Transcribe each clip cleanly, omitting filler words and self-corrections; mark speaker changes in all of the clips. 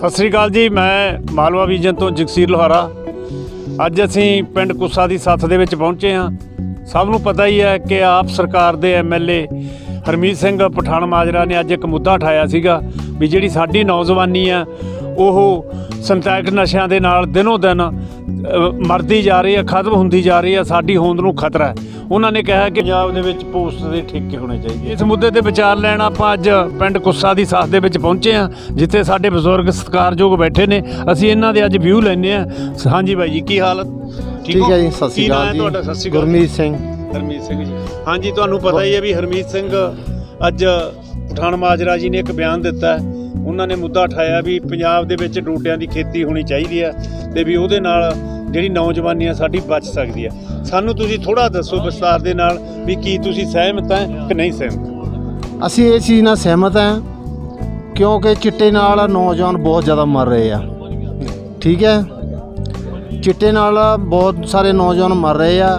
Speaker 1: ਸਤਿ ਸ੍ਰੀ ਅਕਾਲ ਜੀ। ਮੈਂ ਮਾਲਵਾ ਵਿਜਨ ਤੋਂ ਜਗਸੀਰ ਲੋਹਾਰਾ। ਅੱਜ ਅਸੀਂ ਪਿੰਡ ਕੁੱਸਾ ਦੀ ਸੱਥ ਦੇ ਵਿੱਚ ਪਹੁੰਚੇ ਹਾਂ। ਸਭ ਨੂੰ ਪਤਾ ਹੀ ਹੈ ਕਿ ਆਪ ਸਰਕਾਰ ਦੇ ਐਮਐਲਏ ਹਰਮੀਤ ਸਿੰਘ ਪਠਾਨ ਮਾਜਰਾ ਨੇ ਅੱਜ ਇੱਕ ਮੁੱਦਾ ਉਠਾਇਆ ਸੀਗਾ ਵੀ ਜਿਹੜੀ ਸਾਡੀ ਨੌਜਵਾਨੀ ਆ ਉਹ ਸਿੰਥੈਟਿਕ ਨਸ਼ਿਆਂ ਦੇ ਨਾਲ ਦਿਨੋਂ ਦਿਨ ਮਰਦੀ ਜਾ ਰਹੀ ਹੈ, ਖਤਮ ਹੁੰਦੀ ਜਾ ਰਹੀ ਹੈ, ਸਾਡੀ ਹੋਂਦ ਨੂੰ ਖਤਰਾ ਹੈ। ਉਹਨਾਂ ਨੇ ਕਿਹਾ ਕਿ ਪੰਜਾਬ ਦੇ ਵਿੱਚ ਪੋਸਟ ਦੇ ਠੇਕੇ ਹੋਣੇ ਚਾਹੀਦੇ। ਇਸ ਮੁੱਦੇ ਤੇ ਵਿਚਾਰ ਲੈਣ ਆਪਾਂ ਅੱਜ ਪਿੰਡ ਕੁੱਸਾ ਦੀ ਸੱਥ ਦੇ ਵਿੱਚ ਪਹੁੰਚੇ ਹਾਂ, ਜਿੱਥੇ ਸਾਡੇ ਬਜ਼ੁਰਗ ਸਤਿਕਾਰਯੋਗ ਬੈਠੇ ਨੇ। ਅਸੀਂ ਇਹਨਾਂ ਦੇ ਅੱਜ ਵਿਊ ਲੈਂਦੇ ਹਾਂ। ਹਾਂਜੀ ਬਾਈ ਜੀ, ਕੀ ਹਾਲਤ?
Speaker 2: ਠੀਕ ਹੈ ਜੀ। ਸਤਿ ਸ਼੍ਰੀ ਅਕਾਲ ਜੀ।
Speaker 1: ਤੁਹਾਡਾ? ਸਤਿ ਸ਼੍ਰੀ ਅਕਾਲ।
Speaker 2: ਗੁਰਮੀਤ ਸਿੰਘ।
Speaker 1: ਹਰਮੀਤ ਸਿੰਘ ਜੀ। ਹਾਂਜੀ, ਤੁਹਾਨੂੰ ਪਤਾ ਹੀ ਹੈ ਵੀ ਹਰਮੀਤ ਸਿੰਘ ਅੱਜ ਪਠਾਨ ਮਾਜਰਾ ਜੀ ਨੇ ਇੱਕ ਬਿਆਨ ਦਿੱਤਾ। ਉਹਨਾਂ ਨੇ ਮੁੱਦਾ ਉਠਾਇਆ ਵੀ ਪੰਜਾਬ ਦੇ ਵਿੱਚ ਡੋਡਿਆਂ ਦੀ ਖੇਤੀ ਹੋਣੀ ਚਾਹੀਦੀ ਹੈ ਤੇ ਵੀ ਉਹਦੇ ਨਾਲ ਜਿਹੜੀ ਨੌਜਵਾਨੀ ਆ ਸਾਡੀ ਬਚ ਸਕਦੀ ਹੈ। ਸਾਨੂੰ ਤੁਸੀਂ ਥੋੜ੍ਹਾ ਦੱਸੋ ਵਿਸਤਾਰ ਦੇ ਨਾਲ ਵੀ ਕੀ ਤੁਸੀਂ ਸਹਿਮਤ ਹੈ ਕਿ ਨਹੀਂ ਸਹਿਮਤ?
Speaker 2: ਅਸੀਂ ਇਹ ਚੀਜ਼ ਨਾਲ ਸਹਿਮਤ ਹਾਂ ਕਿਉਂਕਿ ਚਿੱਟੇ ਨਾਲ ਨੌਜਵਾਨ ਬਹੁਤ ਜ਼ਿਆਦਾ ਮਰ ਰਹੇ ਆ। ਠੀਕ ਹੈ, ਚਿੱਟੇ ਨਾਲ ਬਹੁਤ ਸਾਰੇ ਨੌਜਵਾਨ ਮਰ ਰਹੇ ਆ।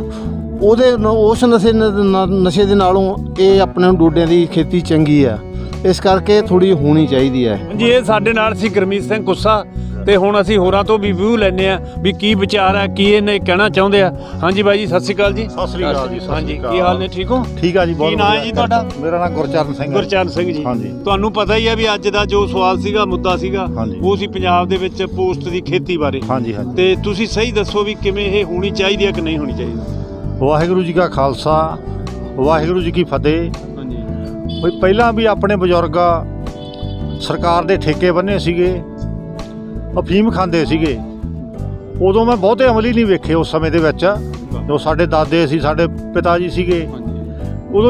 Speaker 2: ਉਸ ਨਸ਼ੇ ਦੇ ਨਾਲੋਂ ਇਹ ਆਪਣੇ ਡੋਡਿਆਂ ਦੀ ਖੇਤੀ ਚੰਗੀ ਆ, ਇਸ ਕਰਕੇ ਥੋੜੀ ਹੋਣੀ ਚਾਹੀਦੀ ਹੈ।
Speaker 1: ਜੀ, ਇਹ ਸਾਡੇ ਨਾਲ ਸੀ ਗੁਰਮੀਤ ਸਿੰਘ ਕੁੱਸਾ ਤੇ ਹੁਣ ਅਸੀਂ ਹੋਰਾਂ ਤੋਂ ਵੀ ਵਿਊ ਲੈਂਦੇ ਆ ਵੀ ਕੀ ਵਿਚਾਰ ਹੈ, ਕੀ ਇਹਨੇ ਕਹਿਣਾ ਚਾਹੁੰਦੇ ਆ। ਹਾਂਜੀ ਬਾਈ ਜੀ, ਸਤਿ ਸ਼੍ਰੀ ਅਕਾਲ ਜੀ।
Speaker 3: ਸਤਿ ਸ੍ਰੀ ਅਕਾਲ ਜੀ।
Speaker 1: ਹਾਂਜੀ, ਕੀ ਹਾਲ ਨੇ? ਠੀਕ ਹੋ?
Speaker 3: ਠੀਕ ਆ ਜੀ। ਬਹੁਤ
Speaker 1: ਕੀ ਨਾਂ ਹੈ ਜੀ ਤੁਹਾਡਾ?
Speaker 3: ਮੇਰਾ ਨਾਮ ਗੁਰਚਰਨ ਸਿੰਘ ਹੈ।
Speaker 1: ਗੁਰਚਰਨ ਸਿੰਘ ਜੀ।
Speaker 3: ਹਾਂਜੀ।
Speaker 1: ਤੁਹਾਨੂੰ ਪਤਾ ਹੀ ਹੈ ਵੀ ਅੱਜ ਦਾ ਜੋ ਸਵਾਲ ਸੀਗਾ, ਮੁੱਦਾ ਸੀਗਾ,
Speaker 3: ਹਾਂਜੀ।
Speaker 1: ਉਹ ਸੀ ਪੰਜਾਬ ਦੇ ਵਿੱਚ ਪੋਸਟ ਦੀ ਖੇਤੀ ਬਾਰੇ।
Speaker 3: ਹਾਂਜੀ ਹਾਂਜੀ।
Speaker 1: ਤੇ ਤੁਸੀਂ ਸਹੀ ਦੱਸੋ ਵੀ ਕਿਵੇਂ ਇਹ ਹੋਣੀ ਚਾਹੀਦੀ ਹੈ ਕਿ ਨਹੀਂ ਹੋਣੀ ਚਾਹੀਦੀ?
Speaker 3: ਵਾਹਿਗੁਰੂ ਜੀ ਕਾ ਖਾਲਸਾ, ਵਾਹਿਗੁਰੂ ਜੀ ਕੀ ਫਤਿਹ।
Speaker 1: ਹਾਂਜੀ।
Speaker 3: ਬਈ ਪਹਿਲਾਂ ਵੀ ਆਪਣੇ ਬਜ਼ੁਰਗ ਸਰਕਾਰ ਦੇ ਠੇਕੇ ਬੰਨੇ ਸੀਗੇ, ਅਫੀਮ ਖਾਂਦੇ ਸੀਗੇ। ਉਦੋਂ ਮੈਂ ਬਹੁਤੇ ਅਮਲੀ ਨਹੀਂ ਵੇਖੇ ਉਸ ਸਮੇਂ ਦੇ ਵਿੱਚ। ਜੋ ਸਾਡੇ ਦਾਦੇ ਸੀ, ਸਾਡੇ ਪਿਤਾ ਜੀ ਸੀਗੇ, ਉਦੋਂ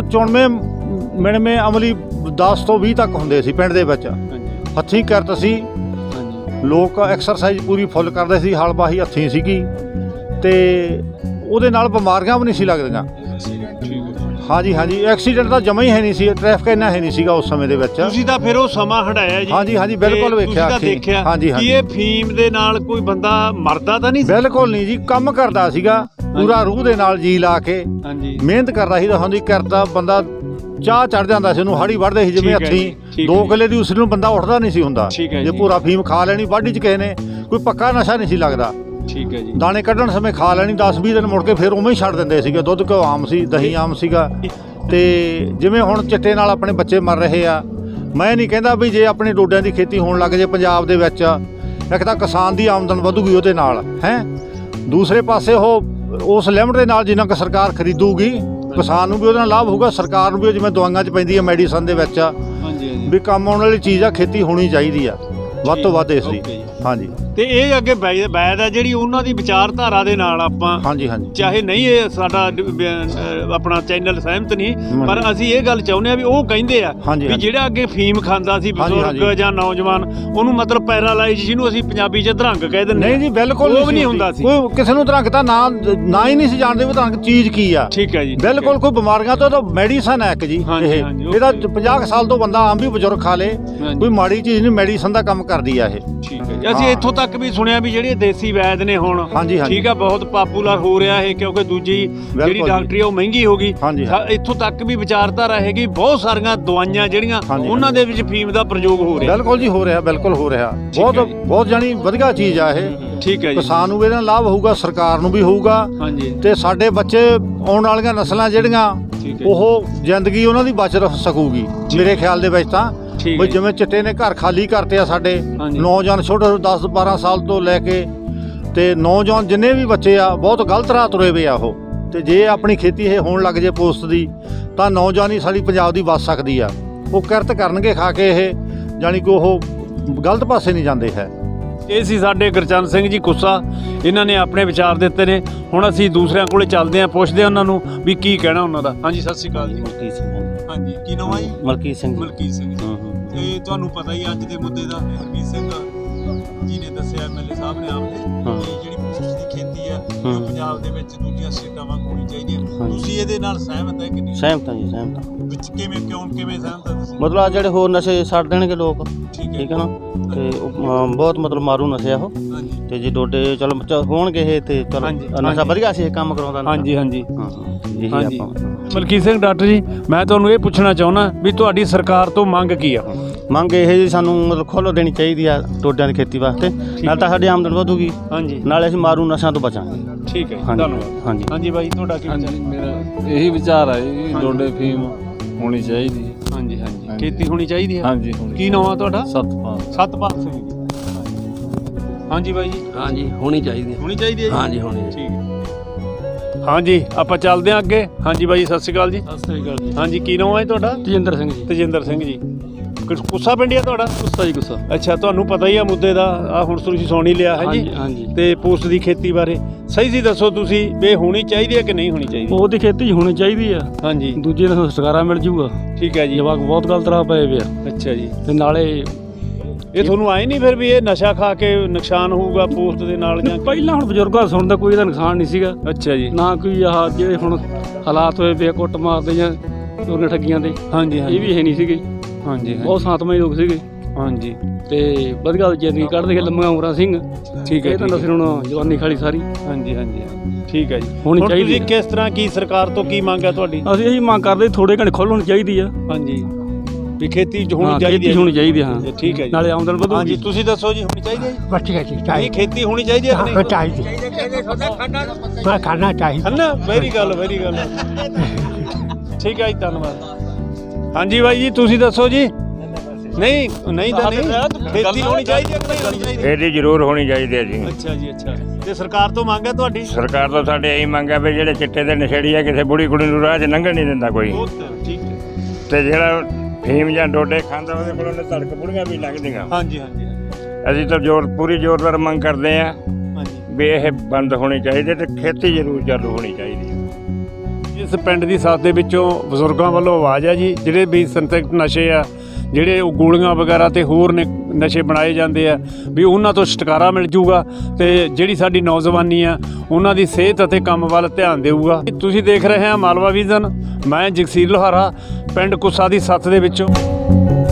Speaker 3: 94 ਅਮਲੀ 10 ਤੋਂ 20 ਤੱਕ ਹੁੰਦੇ ਸੀ ਪਿੰਡ ਦੇ ਵਿੱਚ। ਹੱਥੀਂ ਕਿਰਤ ਸੀ, ਲੋਕ ਐਕਸਰਸਾਈਜ਼ ਪੂਰੀ ਫੁੱਲ ਕਰਦੇ ਸੀ, ਹਲਬਾਹੀ ਹੱਥੀਂ ਸੀਗੀ ਤੇ ਉਹਦੇ ਨਾਲ ਬਿਮਾਰੀਆਂ ਵੀ ਨਹੀਂ ਸੀ ਲੱਗਦੀਆਂ। ਹਾਂਜੀ ਹਾਂਜੀ। ਐਕਸੀਡੈਂਟ ਤਾਂ ਜਮਾ ਹੀ ਹੈ ਨਹੀਂ ਸੀ, ਟ੍ਰੈਫਿਕ ਇੰਨਾ ਹੈ ਨਹੀਂ ਸੀਗਾ ਉਸ ਸਮੇਂ ਦੇ ਵਿੱਚ।
Speaker 1: ਤੁਸੀਂ ਤਾਂ ਫਿਰ ਉਹ ਸਮਾਂ ਹਟਾਇਆ ਜੀ।
Speaker 3: ਹਾਂਜੀ ਹਾਂਜੀ, ਬਿਲਕੁਲ ਵੇਖਿਆ।
Speaker 1: ਦੇਖਿਆ
Speaker 3: ਹਾਂਜੀ ਹਾਂਜੀ।
Speaker 1: ਇਹ ਫੀਮ ਦੇ ਨਾਲ ਕੋਈ ਬੰਦਾ ਮਰਦਾ ਤਾਂ ਨਹੀਂ?
Speaker 3: ਬਿਲਕੁਲ ਨਹੀਂ ਜੀ, ਕੰਮ ਕਰਦਾ ਸੀਗਾ ਪੂਰਾ ਰੂਹ ਦੇ ਨਾਲ, ਜੀ ਲਾ ਕੇ ਮਿਹਨਤ ਕਰਦਾ ਸੀ। ਹੁੰਦੀ ਕਰਦਾ ਬੰਦਾ, ਚਾਹ ਚੜ ਜਾਂਦਾ ਸੀ ਉਹਨੂੰ, ਹਾੜੀ ਵੱਢਦੇ ਸੀ ਜਿਵੇਂ ਹੱਥੀਂ। 2 ਕਿੱਲੇ ਦੀ ਉਸ ਨੂੰ ਬੰਦਾ ਉੱਠਦਾ ਨਹੀਂ ਸੀ ਹੁੰਦਾ ਜੇ ਪੂਰਾ ਫੀਮ ਖਾ ਲੈਣੀ ਵਾਢੀ 'ਚ ਕਿਸੇ ਨੇ। ਕੋਈ ਪੱਕਾ ਨਸ਼ਾ ਨਹੀਂ ਸੀ ਲੱਗਦਾ।
Speaker 1: ਠੀਕ ਹੈ ਜੀ।
Speaker 3: ਦਾਣੇ ਕੱਢਣ ਸਮੇਂ ਖਾ ਲੈਣੀ, 10-20 ਦਿਨ ਮੁੜ ਕੇ ਫਿਰ ਉਵੇਂ ਹੀ ਛੱਡ ਦਿੰਦੇ ਸੀਗੇ। ਦੁੱਧ ਘਿਓ ਆਮ ਸੀ, ਦਹੀਂ ਆਮ ਸੀਗਾ। ਤੇ ਜਿਵੇਂ ਹੁਣ ਚਿੱਟੇ ਨਾਲ ਆਪਣੇ ਬੱਚੇ ਮਰ ਰਹੇ ਆ, ਮੈਂ ਨਹੀਂ ਕਹਿੰਦਾ ਵੀ ਜੇ ਆਪਣੇ ਡੋਡਿਆਂ ਦੀ ਖੇਤੀ ਹੋਣ ਲੱਗ ਜੇ ਪੰਜਾਬ ਦੇ ਵਿੱਚ, ਇੱਕ ਤਾਂ ਕਿਸਾਨ ਦੀ ਆਮਦਨ ਵਧੂਗੀ ਉਹਦੇ ਨਾਲ ਹੈ। ਦੂਸਰੇ ਪਾਸੇ ਉਹ ਉਸ ਲਿਮਟ ਦੇ ਨਾਲ ਜਿੰਨਾ ਕੁ ਸਰਕਾਰ ਖਰੀਦੂਗੀ, ਕਿਸਾਨ ਨੂੰ ਵੀ ਉਹਦੇ ਨਾਲ ਲਾਭ ਹੋਊਗਾ, ਸਰਕਾਰ ਨੂੰ ਵੀ। ਜਿਵੇਂ ਦਵਾਈਆਂ 'ਚ ਪੈਂਦੀ ਹੈ, ਮੈਡੀਸਨ ਦੇ ਵਿੱਚ ਵੀ ਕੰਮ ਆਉਣ ਵਾਲੀ ਚੀਜ਼ ਆ, ਖੇਤੀ ਹੋਣੀ ਚਾਹੀਦੀ ਆ ਵੱਧ ਤੋਂ ਵੱਧ ਇਸ ਦੀ। ਹਾਂਜੀ। ਤੇ
Speaker 1: ਇਹ ਅੱਗੇ ਵੈਦ ਆ ਜਿਹੜੀ ਉਹਨਾਂ ਦੀ ਵਿਚਾਰਧਾਰਾ ਦੇ ਨਾਲ ਆਪਾਂ,
Speaker 3: ਹਾਂਜੀ ਹਾਂਜੀ,
Speaker 1: ਚਾਹੇ ਨਹੀਂ ਇਹ ਸਾਡਾ ਆਪਣਾ ਚੈਨਲ ਸਹਿਮਤ ਨਹੀਂ, ਪਰ ਅਸੀਂ ਇਹ ਗੱਲ ਚਾਹੁੰਦੇ ਆ ਵੀ ਉਹ ਕਹਿੰਦੇ ਆ ਵੀ ਜਿਹੜਾ ਅੱਗੇ ਫੀਮ ਖਾਂਦਾ ਸੀ ਬਜ਼ੁਰਗ ਜਾਂ ਨੌਜਵਾਨ, ਉਹਨੂੰ ਮਤਲਬ ਪੈਰਾਲਾਈਜ਼, ਜਿਹਨੂੰ ਅਸੀਂ ਪੰਜਾਬੀ 'ਚ ਅਧਰੰਗ ਕਹਿ ਦਿੰਦੇ।
Speaker 3: ਨਹੀਂ ਜੀ, ਬਿਲਕੁਲ
Speaker 1: ਉਹ ਵੀ ਨਹੀਂ ਹੁੰਦਾ ਸੀ।
Speaker 3: ਕੋਈ ਕਿਸੇ ਨੂੰ ਅਧਰੰਗ ਤਾਂ ਨਾ ਹੀ ਨਹੀਂ ਸੀ ਜਾਣਦੇ ਵੀ ਅਧਰੰਗ ਚੀਜ਼ ਕੀ ਆ।
Speaker 1: ਠੀਕ ਹੈ ਜੀ।
Speaker 3: ਬਿਲਕੁਲ। ਕੋਈ ਬਿਮਾਰੀਆਂ ਤੋਂ ਤਾਂ ਮੈਡੀਸਨ ਹੈ ਇੱਕ ਜੀ। ਇਹਦਾ 50 ਸਾਲ ਤੋਂ ਬੰਦਾ ਆਮ ਵੀ ਬਜ਼ੁਰਗ ਖਾ ਲੇ, ਕੋਈ ਮਾੜੀ ਚੀਜ਼ ਨਹੀਂ, ਮੈਡੀਸਨ ਦਾ ਕੰਮ ਕਰਦੀ ਆ ਇਹ।
Speaker 1: ਠੀਕ ਹੈ ਜੀ। ਅਸੀਂ ਇੱਥੋਂ ਤੱਕ ਵੀ ਸੁਣਿਆ ਵੀ ਜਿਹੜੇ ਦੇਸੀ ਵੈਦ ਨੇ ਹੁਣ, ਠੀਕ ਆ, ਬਹੁਤ ਪਾਪੂਲਰ ਹੋ ਰਿਹਾ ਇਹ, ਕਿਉਂਕਿ ਦੂਜੀ ਜਿਹੜੀ ਡਾਕਟਰੀ ਉਹ ਮਹਿੰਗੀ ਹੋ ਗਈ। ਇੱਥੋਂ ਤੱਕ ਵੀ ਵਿਚਾਰਧਾਰਾ ਹੈਗੀ, ਬਹੁਤ ਸਾਰੀਆਂ ਦਵਾਈਆਂ ਜਿਹੜੀਆਂ ਉਹਨਾਂ ਦੇ ਵਿੱਚ ਫੀਮ ਦਾ ਪ੍ਰਯੋਗ ਹੋ ਰਿਹਾ।
Speaker 3: ਬਿਲਕੁਲ ਜੀ, ਹੋ ਰਿਹਾ, ਬਿਲਕੁਲ ਹੋ ਰਿਹਾ। ਬਹੁਤ ਜਾਣੀ ਵਧੀਆ ਚੀਜ਼ ਆ ਇਹ।
Speaker 1: ਠੀਕ ਹੈ ਜੀ।
Speaker 3: ਕਿਸਾਨ ਨੂੰ ਵੀ ਇਹਦਾ ਲਾਭ ਹੋਊਗਾ, ਸਰਕਾਰ ਨੂੰ ਵੀ ਹੋਊਗਾ, ਤੇ ਸਾਡੇ ਬੱਚੇ ਆਉਣ ਵਾਲੀਆਂ ਨਸਲਾਂ ਜਿਹੜੀਆਂ ਉਹ ਜ਼ਿੰਦਗੀ ਉਹਨਾਂ ਦੀ ਬਚ ਸਕੂਗੀ ਮੇਰੇ ਖਿਆਲ ਦੇ ਵਿੱਚ ਤਾਂ। ਬਈ ਜਿਵੇਂ ਚਿੱਟੇ ਨੇ ਘਰ ਖਾਲੀ ਕਰਤੇ ਆ ਸਾਡੇ ਨੌਜਵਾਨ, ਛੋਟੇ 10-12 ਸਾਲ ਤੋਂ ਲੈ ਕੇ ਤੇ ਨੌਜਵਾਨ ਜਿੰਨੇ ਵੀ ਬੱਚੇ ਆ, ਬਹੁਤ ਗਲਤ ਰਾਹ ਤੁਰੇ ਵੇ ਆ ਉਹ। ਤੇ ਜੇ ਆਪਣੀ ਖੇਤੀ ਇਹ ਹੋਣ ਲੱਗ ਜੇ ਪੋਸਟ ਦੀ, ਤਾਂ ਨੌਜਵਾਨੀ ਸਾਡੀ ਪੰਜਾਬ ਦੀ ਬਚ ਸਕਦੀ ਆ। ਉਹ ਕਿਰਤ ਕਰਨਗੇ ਖਾ ਕੇ, ਇਹ ਜਾਣੀ ਕਿ ਉਹ ਗਲਤ ਪਾਸੇ ਨਹੀਂ ਜਾਂਦੇ ਹੈ।
Speaker 1: ਇਹ ਸੀ ਸਾਡੇ ਗੁਰਚਰਨ ਸਿੰਘ ਜੀ ਕੁੱਸਾ, ਇਹਨਾਂ ਨੇ ਆਪਣੇ ਵਿਚਾਰ ਦਿੱਤੇ ਨੇ। ਹੁਣ ਅਸੀਂ ਦੂਸਰਿਆਂ ਕੋਲੇ ਚੱਲਦੇ ਹਾਂ, ਪੁੱਛਦੇ ਹਾਂ ਉਹਨਾਂ ਨੂੰ ਵੀ ਕੀ ਕਹਿਣਾ ਉਹਨਾਂ ਦਾ। ਹਾਂਜੀ, ਸਤਿ ਸ਼੍ਰੀ ਅਕਾਲ ਜੀ।
Speaker 2: ਮਲਕੀਤ ਸਿੰਘ।
Speaker 1: ਹਾਂਜੀ, ਕੀ ਨਾਮ ਹੈ ਜੀ?
Speaker 2: ਮਲਕੀਤ ਸਿੰਘ।
Speaker 1: ਮਲਕੀਤ ਸਿੰਘ ਜੀ। ਤੇ ਤੁਹਾਨੂੰ ਪਤਾ ਹੀ ਅੱਜ ਦੇ ਮੁੱਦੇ ਦਾ ਹਰਮੀਤ ਸਿੰਘ ਜੀ ਨੇ ਦੱਸਿਆ, ਐਮਐਲਏ ਸਾਹਿਬ ਨੇ ਆਪ ਨੇ, ਜਿਹੜੀ ਪੋਸਟ ਦੀ ਖੇਤੀ ਆ ਉਹ ਪੰਜਾਬ ਦੇ ਵਿੱਚ ਦੂਜੀਆਂ ਸਟੇਟਾਂ ਵਾਂਗ ਹੋਣੀ ਚਾਹੀਦੀ ਹੈ। ਤੁਸੀਂ ਇਹਦੇ ਨਾਲ ਸਹਿਮਤ ਹੈ ਕਿ ਨਹੀਂ?
Speaker 2: ਸਹਿਮਤ ਹਾਂ ਜੀ, ਸਹਿਮਤ ਹਾਂ।
Speaker 1: ਵਿੱਚ ਕਿਵੇਂ ਸਹਿਮਤ ਹੈ ਤੁਸੀਂ?
Speaker 2: ਮਤਲਬ ਜਿਹੜੇ ਹੋਰ ਨਸ਼ੇ ਛੱਡ ਦੇਣਗੇ ਲੋਕ, ਠੀਕ ਹੈ ਨਾ, ਤੇ ਬਹੁਤ ਮਤਲਬ ਮਾਰੂ ਨਸ਼ੇ ਉਹ। ਤੇ ਜੇ ਡੋਡੇ ਚਲੋ ਹੋਣਗੇ ਇਹ, ਤੇ ਚਲੋ ਨਸ਼ਾ ਵਧੀਆ ਸੀ ਇਹ ਕੰਮ ਕਰਾਉਂਦਾ। ਹਾਂਜੀ ਹਾਂਜੀ ਹਾਂਜੀ। ਮਲਕੀਤ ਸਿੰਘ ਡਾਕਟਰ ਜੀ, ਮੈਂ ਤੁਹਾਨੂੰ ਇਹ ਪੁੱਛਣਾ ਚਾਹੁੰਦਾ ਵੀ ਤੁਹਾਡੀ ਸਰਕਾਰ ਤੋਂ ਮੰਗ ਕੀ ਆ?
Speaker 4: ਮੰਗ ਇਹ ਜੀ ਸਾਨੂੰ ਮਤਲਬ ਖੁੱਲ੍ਹ ਦੇਣੀ ਚਾਹੀਦੀ ਆ ਡੋਡਿਆਂ ਦੀ ਖੇਤੀ ਵਾਸਤੇ। ਨਾਲ ਤਾਂ ਸਾਡੀ ਆਮਦਨ ਵਧੂਗੀ,
Speaker 1: ਹਾਂਜੀ
Speaker 4: ਨਾਲੇ ਅਸੀਂ ਮਾਰੂ ਨਸ਼ਿਆਂ ਤੋਂ ਬਚਾਂਗੇ।
Speaker 1: ਠੀਕ ਹੈ ਜੀ,
Speaker 4: ਹਾਂਜੀ
Speaker 1: ਧੰਨਵਾਦ।
Speaker 4: ਹਾਂਜੀ
Speaker 1: ਹਾਂਜੀ ਬਾਈ ਤੁਹਾਡਾ ਕੀ ਵਿਚਾਰ?
Speaker 5: ਮੇਰਾ ਇਹੀ ਵਿਚਾਰ ਹੈ ਜੀ, ਡੋਡੇ ਫੀਮ ਹੋਣੀ ਚਾਹੀਦੀ ਹੈ।
Speaker 1: ਹਾਂਜੀ ਹਾਂਜੀ ਖੇਤੀ ਹੋਣੀ ਚਾਹੀਦੀ ਹੈ।
Speaker 5: ਹਾਂਜੀ
Speaker 1: ਕੀ ਨਾਮ ਆ ਤੁਹਾਡਾ?
Speaker 5: ਸਤਪਾਲ।
Speaker 1: ਸਤਪਾਲ ਸਿੰਘ ਜੀ। ਹਾਂਜੀ ਬਾਈ ਜੀ
Speaker 6: ਹਾਂਜੀ ਹੋਣੀ ਚਾਹੀਦੀ ਹੈ।
Speaker 1: ਹੋਣੀ ਚਾਹੀਦੀ ਹੈ ਜੀ?
Speaker 6: ਹਾਂਜੀ ਹੋਣੀ
Speaker 1: ਠੀਕ ਹੈ। ਹਾਂਜੀ ਆਪਾਂ ਚੱਲਦੇ ਹਾਂ ਅੱਗੇ। ਹਾਂਜੀ ਬਾਈ ਸਤਿ ਸ਼੍ਰੀ ਅਕਾਲ ਜੀ।
Speaker 5: ਸਤਿ ਸ੍ਰੀ ਅਕਾਲ ਜੀ।
Speaker 1: ਹਾਂਜੀ ਕੀ ਨਾਮ ਹੈ ਤੁਹਾਡਾ?
Speaker 5: ਤੇਜਿੰਦਰ ਸਿੰਘ ਜੀ।
Speaker 1: ਤੇਜਿੰਦਰ ਸਿੰਘ ਜੀ। ਕੁੱਸਾ ਪਿੰਡ ਆ ਤੁਹਾਡਾ?
Speaker 5: ਗੁੱਸਾ ਜੀ ਗੁੱਸਾ।
Speaker 1: ਅੱਛਾ ਤੁਹਾਨੂੰ ਪਤਾ ਹੀ ਆ ਮੁੱਦੇ ਦਾ, ਆ ਹੁਣ ਤੁਸੀਂ ਸੁਣ ਹੀ ਲਿਆ ਹੈ ਜੀ।
Speaker 5: ਹਾਂਜੀ
Speaker 1: ਤੇ ਪੋਸਟ ਦੀ ਖੇਤੀ ਬਾਰੇ ਸਹੀ ਸੀ ਦੱਸੋ ਤੁਸੀਂ ਵੀ ਹੋਣੀ ਚਾਹੀਦੀ ਹੈ ਕਿ ਨਹੀਂ ਹੋਣੀ ਚਾਹੀਦੀ?
Speaker 5: ਉਹਦੀ ਖੇਤੀ ਹੋਣੀ ਚਾਹੀਦੀ ਆ।
Speaker 1: ਹਾਂਜੀ
Speaker 5: ਦੂਜੇ ਨੂੰ ਸਰਕਾਰਾਂ ਮਿਲ ਜੂਗਾ।
Speaker 1: ਠੀਕ ਹੈ ਜੀ।
Speaker 5: ਜਵਾਕ ਬਹੁਤ ਗਲਤ ਰਾਹ ਪਏ ਵੇ ਆ
Speaker 1: ਅੱਛਾ ਜੀ।
Speaker 5: ਤੇ ਨਾਲੇ
Speaker 1: ਇਹ ਤੁਹਾਨੂੰ ਆਏ ਨਹੀਂ ਫਿਰ ਵੀ ਇਹ ਨਸ਼ਾ ਖਾ ਕੇ ਨੁਕਸਾਨ ਹੋਊਗਾ ਪੋਸਟ ਦੇ ਨਾਲ ਜਾਂ?
Speaker 5: ਪਹਿਲਾਂ ਹੁਣ ਬਜ਼ੁਰਗਾਂ ਸੁਣਦਾ ਕੋਈ ਇਹਦਾ ਨੁਕਸਾਨ ਨਹੀਂ ਸੀਗਾ
Speaker 1: ਅੱਛਾ ਜੀ।
Speaker 5: ਨਾ ਕੋਈ ਆਹ ਜਿਹੜੇ ਹੁਣ ਹਾਲਾਤ ਹੋਏ ਪਏ ਆ, ਕੁੱਟ ਮਾਰਦੇ ਜਾਂ ਚੋਰੀਆਂ ਠੱਗੀਆਂ ਦੇ,
Speaker 1: ਹਾਂਜੀ
Speaker 5: ਇਹ ਵੀ ਹੈ ਨਹੀਂ ਸੀਗੇ।
Speaker 1: ਹਾਂਜੀ
Speaker 5: ਬਹੁਤ ਸ਼ਾਂਤਮਈ ਲੋਕ ਸੀਗੇ
Speaker 1: ਹਾਂਜੀ
Speaker 5: ਤੇ ਵਧੀਆ ਜ਼ਿੰਦਗੀ ਕੱਢਦੇ ਗਏ, ਲੰਮੀਆਂ ਉਮਰਾਂ ਸਿੰਘ।
Speaker 1: ਠੀਕ ਹੈ
Speaker 5: ਇਹ ਤਾਂ ਨਸਲ ਹੁਣ ਜਵਾਨੀ ਖਾਲੀ ਸਾਰੀ
Speaker 1: ਹਾਂਜੀ ਹਾਂਜੀ ਠੀਕ ਹੈ ਜੀ।
Speaker 5: ਹੋਣੀ
Speaker 1: ਹੁਣ
Speaker 5: ਚਾਹੀਦੀ
Speaker 1: ਤੁਸੀਂ
Speaker 5: ਹੈ।
Speaker 1: ਕਿਸ ਤਰ੍ਹਾਂ ਕੀ ਸਰਕਾਰ ਤੋਂ ਕੀ ਮੰਗ ਹੈ ਤੁਹਾਡੀ?
Speaker 5: ਅਸੀਂ ਇਹੀ ਮੰਗ ਕਰਦੇ ਥੋੜੇ ਘੰਟੇ ਖੁੱਲ੍ਹ ਹੋਣੀ ਚਾਹੀਦੀ ਆ।
Speaker 1: ਹਾਂਜੀ ਵੀ ਖੇਤੀ ਹੋਣੀ
Speaker 5: ਹਾਂ,
Speaker 1: ਚਾਹੀਦੀ
Speaker 5: ਖੇਤੀ ਹੋਣੀ ਚਾਹੀਦੀ ਆ, ਹਾਂ।
Speaker 1: ਠੀਕ ਹੈ ਜੀ।
Speaker 5: ਨਾਲੇ ਆਮਦਨ ਵਧੂਗੀ।
Speaker 1: ਹਾਂਜੀ ਤੁਸੀਂ ਦੱਸੋ ਜੀ ਹੋਣੀ ਚਾਹੀਦੀ ਹੈ ਜੀ?
Speaker 7: ਬੱਚੀ ਜੀ
Speaker 1: ਨਹੀਂ
Speaker 7: ਚਾਹੀਦੀ
Speaker 1: ਖੇਤੀ ਹੋਣੀ ਚਾਹੀਦੀ ਹੈ ਕਿ ਨਹੀਂ?
Speaker 7: ਚਾਹੀਦੀ ਮੈਂ ਖਾਣਾ ਚਾਹੀਦਾ।
Speaker 1: ਹਨਾ ਵੈਰੀ ਗੱਲ ਠੀਕ ਹੈ ਜੀ ਧੰਨਵਾਦ। ਹਾਂਜੀ ਬਾਈ ਜੀ ਤੁਸੀਂ ਦੱਸੋ ਜੀ। ਨਹੀਂ ਨਹੀਂ ਤਾਂ ਨਹੀਂ ਖੇਤੀ ਹੋਣੀ ਚਾਹੀਦੀ ਹੈ ਕਿ ਨਹੀਂ ਹੋਣੀ ਚਾਹੀਦੀ?
Speaker 8: ਇਹਦੀ ਜ਼ਰੂਰ ਹੋਣੀ ਚਾਹੀਦੀ ਹੈ ਜੀ।
Speaker 1: ਅੱਛਾ ਜੀ ਅੱਛਾ। ਤੇ ਸਰਕਾਰ ਤੋਂ ਮੰਗ ਹੈ ਤੁਹਾਡੀ?
Speaker 8: ਸਰਕਾਰ ਤੋਂ ਸਾਡੇ ਇਹੀ ਮੰਗ ਹੈ ਵੀ ਜਿਹੜੇ ਚਿੱਟੇ ਦੇ ਨਸ਼ੇੜੀ ਆ ਕਿਸੇ ਬੁੜੀ ਕੁੜੀ ਨੂੰ ਰਾਹ 'ਚ ਲੰਘਣ ਨਹੀਂ ਦਿੰਦਾ ਕੋਈ।
Speaker 1: ਠੀਕ ਹੈ।
Speaker 8: ਤੇ ਜਿਹੜਾ ਫੀਮ ਜਾਂ ਡੋਡੇ ਖਾਂਦਾ ਉਹਦੇ ਕੋਲੋਂ ਨੇ ਧੜਕ ਬੁੜੀਆਂ ਵੀ ਲੰਘਦੀਆਂ।
Speaker 1: ਹਾਂਜੀ ਹਾਂਜੀ
Speaker 8: ਅਸੀਂ ਤਾਂ ਪੂਰੀ ਜ਼ੋਰਦਾਰ ਮੰਗ ਕਰਦੇ ਹਾਂ
Speaker 1: ਹਾਂਜੀ।
Speaker 8: ਵੀ ਇਹ ਬੰਦ ਹੋਣੀ ਚਾਹੀਦੀ ਤੇ ਖੇਤੀ ਜ਼ਰੂਰ ਚਾਲੂ ਹੋਣੀ ਚਾਹੀਦੀ ਹੈ।
Speaker 1: ਇਸ ਪਿੰਡ ਦੀ ਸਾਥ ਦੇ ਵਿੱਚੋਂ ਬਜ਼ੁਰਗਾਂ ਵੱਲੋਂ ਆਵਾਜ਼ ਹੈ ਜੀ, ਜਿਹੜੇ ਵੀ ਸਿੰਥੈਟਿਕ ਨਸ਼ੇ ਆ, ਜਿਹੜੇ ਉਹ ਗੋਲੀਆਂ ਵਗੈਰਾ ਤੇ ਹੋਰ ਨਸ਼ੇ ਬਣਾਏ ਜਾਂਦੇ ਆ, ਵੀ ਉਹਨਾਂ ਤੋਂ ਛੁਟਕਾਰਾ ਮਿਲ ਜੂਗਾ ਤੇ ਜਿਹੜੀ ਸਾਡੀ ਨੌਜਵਾਨੀ ਆ ਉਹਨਾਂ ਦੀ ਸਿਹਤ ਅਤੇ ਕੰਮ ਵੱਲ ਧਿਆਨ ਦੇਊਗਾ। ਤੁਸੀਂ ਦੇਖ ਰਹੇ ਆ ਮਾਲਵਾ ਵਿਜ਼ਨ। ਮੈਂ ਜਗਸੀਰ ਲੋਹਾਰਾ, ਪਿੰਡ ਕੁੱਸਾ ਦੀ ਸੱਥ ਦੇ ਵਿੱਚੋਂ।